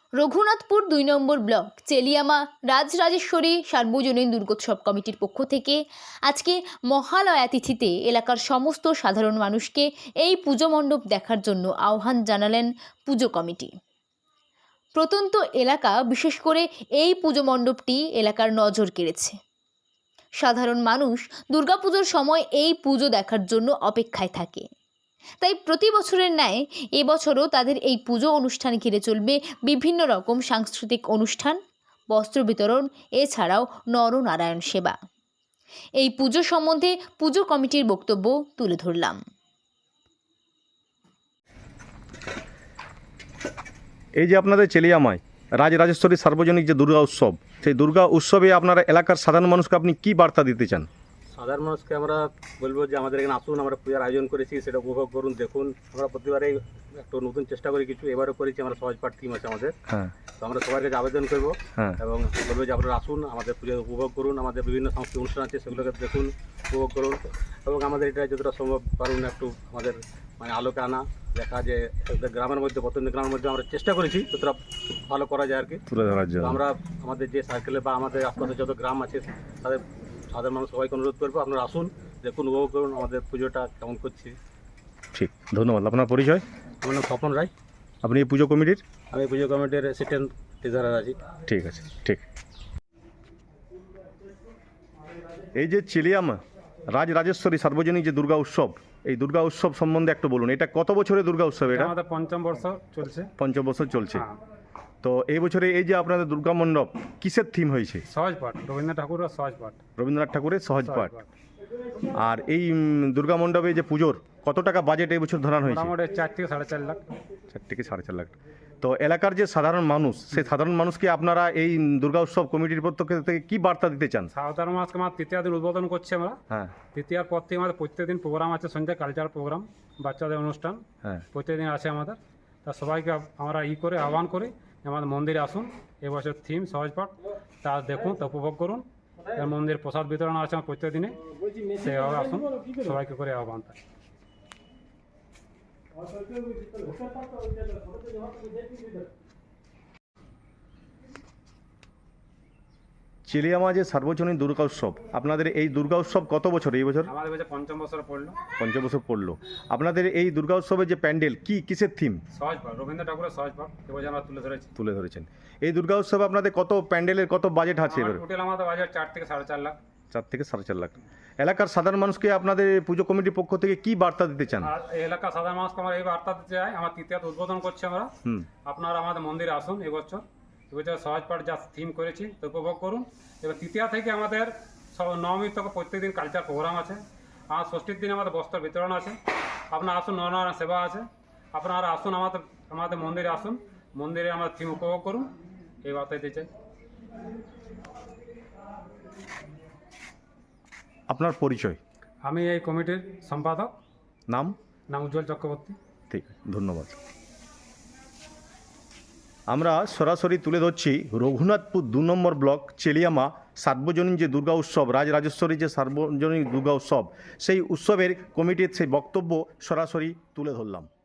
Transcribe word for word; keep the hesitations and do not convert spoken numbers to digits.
রঘুনাথপুর দুই নম্বর ব্লক চেলিয়ামা রাজরাজেশ্বরী সার্বজনীন দুর্গোৎসব কমিটির পক্ষ থেকে আজকে মহালয়া তিথিতে এলাকার সমস্ত সাধারণ মানুষকে এই পুজো মণ্ডপ দেখার জন্য আহ্বান জানালেন পুজো কমিটি। প্রত্যন্ত এলাকা বিশেষ করে এই পুজো মণ্ডপটি এলাকার নজর কেড়েছে। সাধারণ মানুষ দুর্গাপুজোর সময় এই পুজো দেখার জন্য অপেক্ষায় থাকে। তাই প্রতি বছরের ন্যায় এবছরও তাদের এই পুজো অনুষ্ঠান ঘিরে চলবে বিভিন্ন রকম সাংস্কৃতিক অনুষ্ঠান, বস্ত্র বিতরণ, এছাড়াও নরনারায়ণ সেবা। এই পুজো সম্বন্ধে পুজো কমিটির বক্তব্য তুলে ধরলাম। এই যে আপনাদের চেলিয়ামায় রাজরাজেশ্বরী সার্বজনীন যে দুর্গা উৎসব, সেই দুর্গা উৎসবে আপনারা এলাকার সাধারণ মানুষকে আপনি কি বার্তা দিতে চান? সাধারণ মানুষকে আমরা বলবো যে আমাদের এখানে আসুন, আমরা পূজার আয়োজন করেছি, সেটা উপভোগ করুন, দেখুন। আমরা প্রতিবারেই একটু নতুন চেষ্টা করি, কিছু এবারও করেছি। আমরা সহজ পাঠ টিম আছে আমাদের, হ্যাঁ, তো আমরা সবার কাছে আবেদন করবো, হ্যাঁ, এবং বলবো যে আপনারা আসুন, আমাদের পুজো উপভোগ করুন। আমাদের বিভিন্ন সাংস্কৃতিক অনুষ্ঠান আছে, সেগুলোকে দেখুন, উপভোগ করুন, এবং আমাদের এটা যতটা সম্ভব পারুন একটু আমাদের মানে আলোকে আনা, দেখা যে গ্রামের মধ্যে প্রত্যন্ত গ্রামের মধ্যে আমরা চেষ্টা করেছি যতটা ভালো করা যায় আর কি তুলে ধরার জন্য। আমরা আমাদের যে সার্কেলে বা আমাদের আশপাশে যত গ্রাম আছে তাদের সাধারণ মানুষ সবাইকে অনুরোধ করবো, আপনারা আসুন, দেখুন, উপভোগ করুন আমাদের পুজোটা কেমন করছি। ঠিক, ধন্যবাদ। আপনার পরিচয়? আমার নাম স্বপন রায়, আপনি এই পুজো কমিটির? আমি পুজো কমিটির অ্যাসিস্ট্যান্ট ট্রেজারার আছি। ঠিক আছে, ঠিক। এই যে চেলিয়ামা রাজরাজেশ্বরী সার্বজনীন যে দুর্গা উৎসব, এই দুর্গা উৎসব সম্বন্ধে একটু বলুন। এটা কত বছরের দুর্গা উৎসব? এটা আমাদের পঞ্চম বর্ষ চলছে। পঞ্চম বছর চলছে। হ্যাঁ। তো এই বছরে এই যে আপনাদের দুর্গা মণ্ডপ, কিসের থিম হয়েছে? সহজ পাঠ, রবীন্দ্রনাথ ঠাকুরের সহজ পাঠ। রবীন্দ্রনাথ ঠাকুরের সহজ পাঠ। আর এই উম, দুর্গা মণ্ডপে যে পুজোর কত টাকা বাজেট এই বছর ধরানো হয়েছে? মোটামুটি চার থেকে সাড়ে চার লাখ। চার থেকে সাড়ে চার লাখ। তো এলাকার যে সাধারণ মানুষ, সেই সাধারণ মানুষকে আপনারা এই দুর্গা উৎসব কমিটির পক্ষ থেকে কি বার্তা দিতে চান? সাধারণ মাসকে আমার তৃতীয় দিন উদ্বোধন করছি আমরা। হ্যাঁ, তৃতীয়ার পর থেকে আমাদের প্রত্যেকদিন প্রোগ্রাম আছে, সন্ধ্যায় কালচারাল প্রোগ্রাম, বাচ্চাদের অনুষ্ঠান হ্যাঁ, প্রত্যেকদিন আছে আমাদের। তা সবাইকে আমরা ই করে আহ্বান করি, আমাদের মন্দিরে আসুন। এবছর থিম সহজ পাঠ, তা দেখুন, তা উপভোগ করুন। এর মন্দির প্রসাদ বিতরণ আছে আমার প্রত্যেক দিনে, সেভাবে আসুন, সবাইকে করে আহ্বান থাকে। চেলিয়ামা যে সার্বজনীন দুর্গা উৎসব, আপনাদের এই দুর্গা উৎসব কত বছর এই বছর? আমাদের বছর পঞ্চম বছর পড়লো। পঞ্চম বছর পড়লো। আপনাদের এই দুর্গা উৎসবের যে প্যান্ডেল, কি কিসের থিম? সহজ পাঠ, রবীন্দ্র ঠাকুরের সহজ পাঠ এবছর আমরা তুলে ধরেছি। তুলে ধরেছেন। এই দুর্গা উৎসবে আপনাদের কত প্যান্ডেলের কত বাজেট আছে এবার? টোটাল আমাদের বাজার চার থেকে সাড়ে চার লাখ। চার থেকে সাড়ে চার লাখ। এলাকার সাধারণ মানুষকে আপনাদের পুজো কমিটির পক্ষ থেকে কি বার্তা দিতে চান? আর এই এলাকার সাধারণ মানুষকে আমরা এই বার্তা দিতে চাই, আমার তৃতীয়ত উদ্বোধন করছি আমরা। হুম, আপনারা আমাদের মন্দিরে আসুন এবছর। এবছর সহজ পাঠ যা থিম করেছি তো উপভোগ করুন। এবার তৃতীয়া থেকে আমাদের সব নবমী থেকে প্রত্যেকদিন কালচার প্রোগ্রাম আছে। আর ষষ্ঠীর দিন আমাদের বস্ত্র বিতরণ আছে। আপনারা আসুন, নরনারায়ণ সেবা আছে। আপনারা আসুন, আমাদের আমাদের মন্দিরে আসুন, মন্দিরে আমাদের থিম উপভোগ করুন, এই বার্তা দিতে চাই। আপনার পরিচয়? আমি এই কমিটির সম্পাদক। নাম? নাম উজ্জ্বল চক্রবর্তী। ঠিক, ধন্যবাদ। আমরা সরাসরি তুলে ধরছি রঘুনাথপুর দু নম্বর ব্লক চেলিয়ামা সার্বজনীন যে দুর্গা উৎসব, রাজরাজেশ্বরী যে সার্বজনীন দুর্গা উৎসব, সেই উৎসবের কমিটির সেই বক্তব্য সরাসরি তুলে ধরলাম।